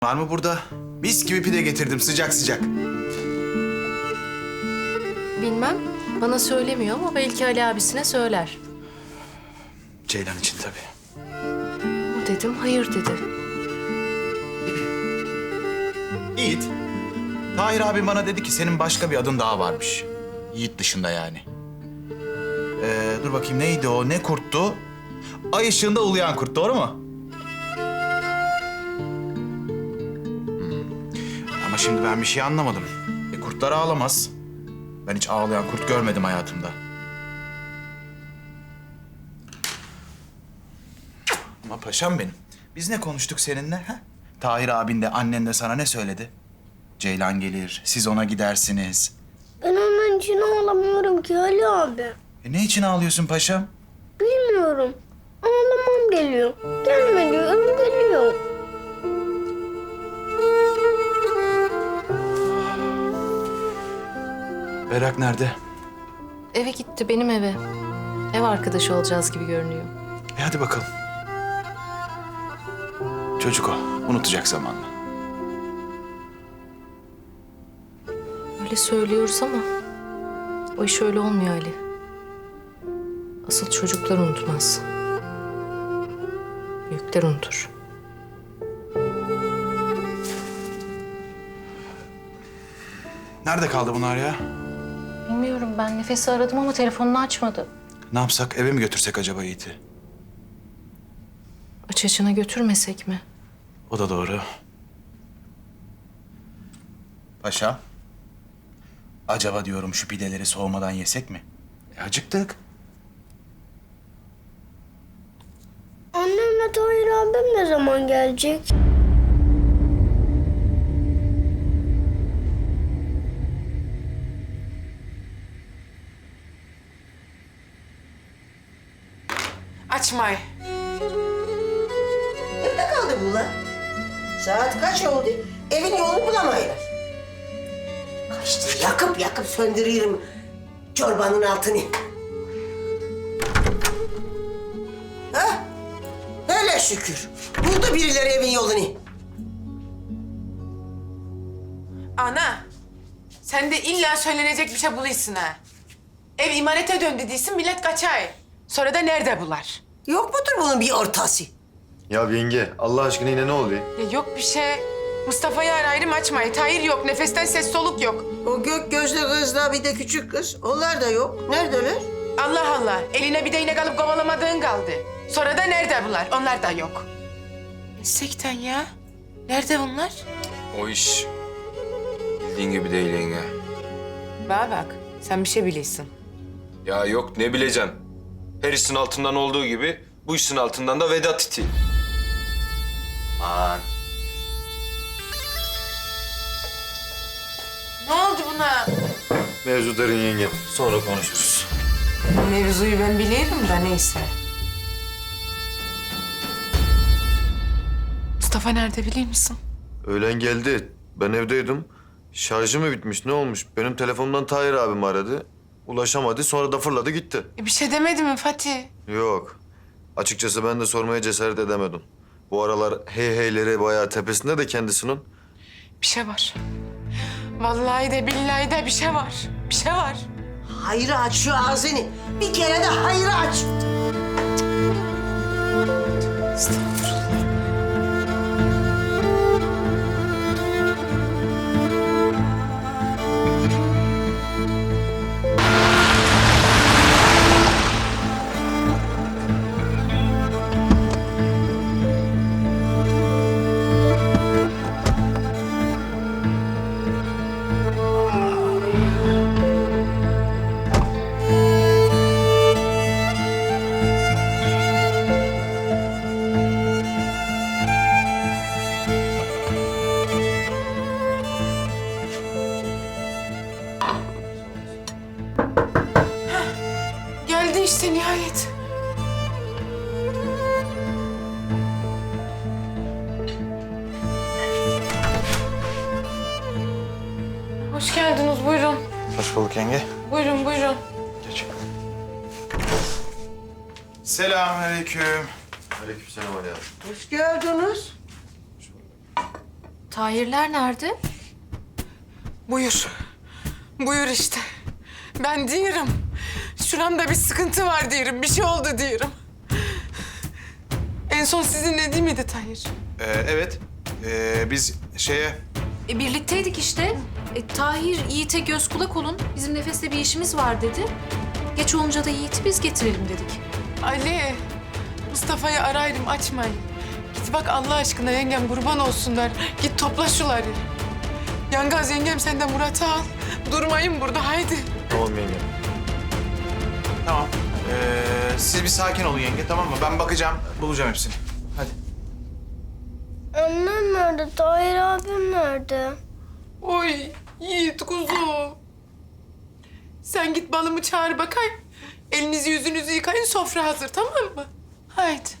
Var mı burada? Mis gibi pide getirdim sıcak sıcak. Bilmem. Bana söylemiyor ama belki Ali abisine söyler. Ceylan için tabii. O dedim, hayır dedi. Yiğit. Tahir abi bana dedi ki senin başka bir adın daha varmış. Yiğit dışında yani. Dur bakayım neydi o? Ne kurttu? Ay ışığında uluyan kurt, doğru mu? Ama şimdi ben bir şey anlamadım. Kurtlar ağlamaz. Ben hiç ağlayan kurt görmedim hayatımda. Ama paşam benim. Biz ne konuştuk seninle? Ha? Tahir abin de annen de sana ne söyledi? Ceylan gelir, siz ona gidersiniz. Ben onun için ağlamıyorum ki Ali abi. Ne için ağlıyorsun paşam? Bilmiyorum. Ağlamam geliyor. Gelme diyorum, geliyor. Berrak nerede? Eve gitti, benim eve. Ev arkadaşı olacağız gibi görünüyor. Hadi bakalım. Çocuk o, unutacak zamanla. Öyle söylüyoruz ama o iş öyle olmuyor Ali. Asıl çocuklar unutmaz. Büyükler unutur. Nerede kaldı bunlar ya? Bilmiyorum, ben Nefes'i aradım ama telefonunu açmadı. Ne yapsak, eve mi götürsek acaba Yiğit'i? Aç açına götürmesek mi? O da doğru. Paşam. Acaba diyorum şu pideleri soğumadan yesek mi? Acıktık. Annemle Tahir abim ne zaman gelecek? Açmay. Nerede kaldı bu lan? Saat kaç oldu? Evin yolunu bulamaylar. Kaçtı, yakıp söndürüyorum çorbanın altını. Hah, hele şükür. Buldu birileri evin yolunu. Ana, sen de illa söylenecek bir şey buluyorsun ha. Ev imarete döndü değilsin, millet kaçay. Sonra da nerede bular? Yok mudur bunun bir ortası? Ya yenge, Allah aşkına yine ne oluyor? Ya yok bir şey. Mustafa'yı arayırım açmayı. Tahir yok, nefesten ses soluk yok. O gök gözlü kızla bir de küçük kız. Onlar da yok. Neredeler? Allah Allah, eline bir değnek alıp kovalamadığın kaldı. Sonra da nerede bular? Onlar da yok. Sekten ya. Nerede bunlar? O iş bildiğin gibi değil yenge. Bana bak, sen bir şey biliyorsun. Ya yok ne bileceğim. Her işin altından olduğu gibi bu işin altından da Vedat iti. Aman. Ne oldu buna? Mevzu derin yenge. Sonra konuşuruz. Mevzuyu ben bilirim da neyse. Mustafa nerede biliyor musun? Öğlen geldi. Ben evdeydim. Şarjı mı bitmiş, ne olmuş? Benim telefonumdan Tahir abim aradı. Ulaşamadı, sonra da fırladı gitti. Bir şey demedi mi Fatih? Yok. Açıkçası ben de sormaya cesaret edemedim. Bu aralar hey heyleri bayağı tepesinde de kendisinin. Bir şey var. Vallahi de billahi de bir şey var. Bir şey var. Hayır aç şu ağzını. Bir kere de hayır aç. Geldi işte nihayet. Hoş geldiniz, buyurun. Hoş bulduk yenge. Buyurun, buyurun. Geç. Selamünaleyküm. Aleykümselam Ali abi. Hoş geldiniz. Tahirler nerede? Buyur. Buyur işte. Ben diyorum. Şuramda bir sıkıntı var diyorum. Bir şey oldu diyorum. En son sizinle değil miydi Tahir? Evet. Biz şeye... Birlikteydik işte. Tahir, Yiğit'e göz kulak olun. Bizim Nefes'le bir işimiz var dedi. Geç olunca da Yiğit'i biz getirelim dedik. Ali, Mustafa'yı arayırım açmayın. Git bak Allah aşkına yengem kurban olsunlar. Git topla şuları. Yangaz yengem sen de Murat'ı al. Durmayın burada haydi. Tamam yenge. Tamam. Siz bir sakin olun yenge, tamam mı? Ben bakacağım, bulacağım hepsini. Hadi. Annem nerede? Tahir abim nerede? Oy Yiğit kuzu. Sen git balımı çağır bakayım. Elinizi yüzünüzü yıkayın sofra hazır tamam mı? Haydi.